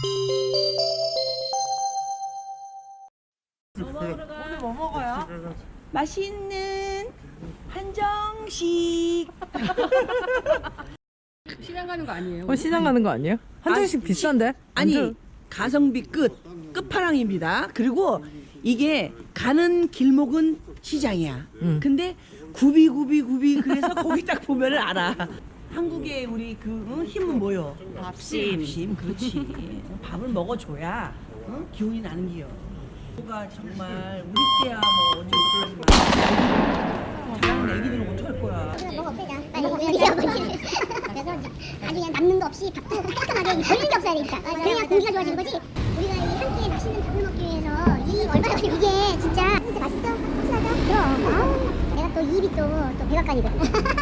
오늘 뭐 먹어요? 맛있는 한정식. 시장 가는 거 아니에요? 시장 가는 거 아니에요? 한정식 비싼데? 아니 가성비 끝판왕입니다. 그리고 이게 가는 길목은 시장이야. 근데 굽이 그래서 거기 딱 보면은 알아. 한국의 우리 그 힘은 뭐요? 밥심. 그렇지. 밥을 먹어줘야 기운이 나는 기요. 뭐가 정말 우리 때야 뭐 어쩔 수 없지만 저랑 애기들은 어떡할 거야. 먹어 빼자. 빨리 우리 아버지를. 그래서 이제 아주 그냥 남는 거 없이 밥도 깔끔하게 걸리는 게 없어야 되니까. 그래야 공기가 좋아지는 거지. 우리가 이 한 끼에 맛있는 밥을 먹기 위해서 이 얼마나 걸려. 이게 진짜 맛있죠? 확실하죠? 그럼. 아우. 내가 또 입이 또 백악관이거든.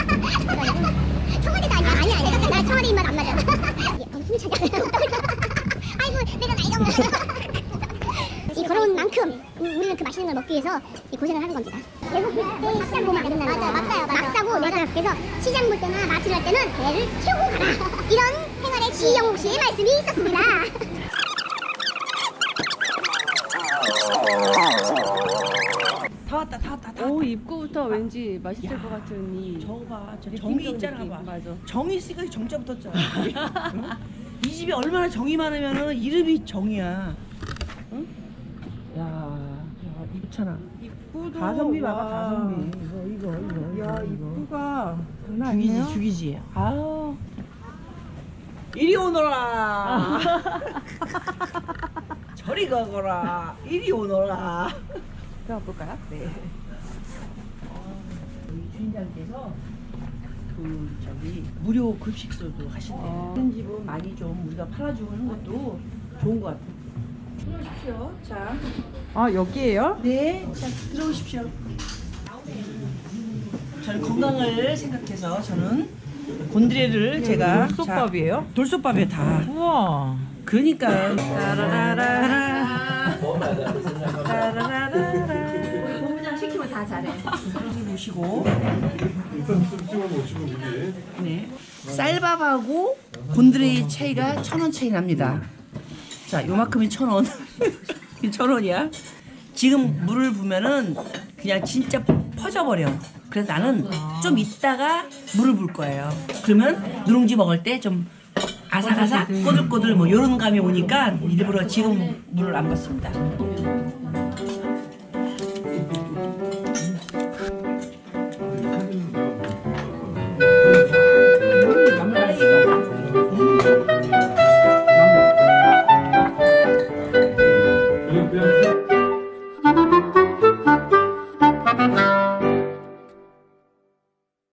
청와대도 아니야. 나 청와대 입맛 안 맞아. 숨 차냐. 아이고 내가 나이가 먹어. 이 걸어온 만큼 우리는 그 맛있는 걸 먹기 위해서 이 고생을 하는 겁니다. 배고플 때 시장 보면 안 된다는 거야. 맞아요. 막 사고 내가 그래서 시장 볼 때나 마트를 할 때는 배를 채우고 가라. 이런 생활의 지영욱 씨의 말씀이 있었습니다. 다 왔다. 오, 입구부터 왠지 맛있을 것 같은 이 저거 봐. 저 느낌 정이 좀 있잖아. 느낌. 봐. 맞아. 정이 있으니까 정자 붙었잖아. 응? 이 집이 얼마나 정이 많으면은 이름이 정이야. 응? 야, 입잖아. 입구도 가성비 봐봐, 가성비. 이거. 야, 입구가 장난 죽이지, 아니에요? 죽이지. 아우. 이리 오너라. 저리 가거라. 이리 오너라. 들어가 볼까요? 네. 우리 주인장께서 그 저기 무료 급식소도 하신대요. 이런 집은 많이 좀 우리가 팔아주고 하는 것도 좋은 것 같아요. 들어오십시오. 자, 아, 여기에요? 네, 자 들어오십시오. 저는 건강을 생각해서 저는 곤드레를 제가 돌솥밥이에요? 자, 돌솥밥에 다. 우와. 그러니까요. 따라라라라. 따라라라라. 본부장 시키면 다 잘해. 여기 보시고. 일단 좀 찍어보시고 위에 네. 쌀밥하고 곤드레의 차이가 1,000원 차이 납니다. 자, 요만큼이 1,000원. 이 1,000원이야. 지금 물을 부면은 그냥 진짜 퍼져버려. 그래서 나는 좀 이따가 물을 볼 거예요. 그러면 누룽지 먹을 때 좀 아삭아삭 꼬들꼬들 뭐 요런 감이 오니까 일부러 지금 물을 안 붓습니다.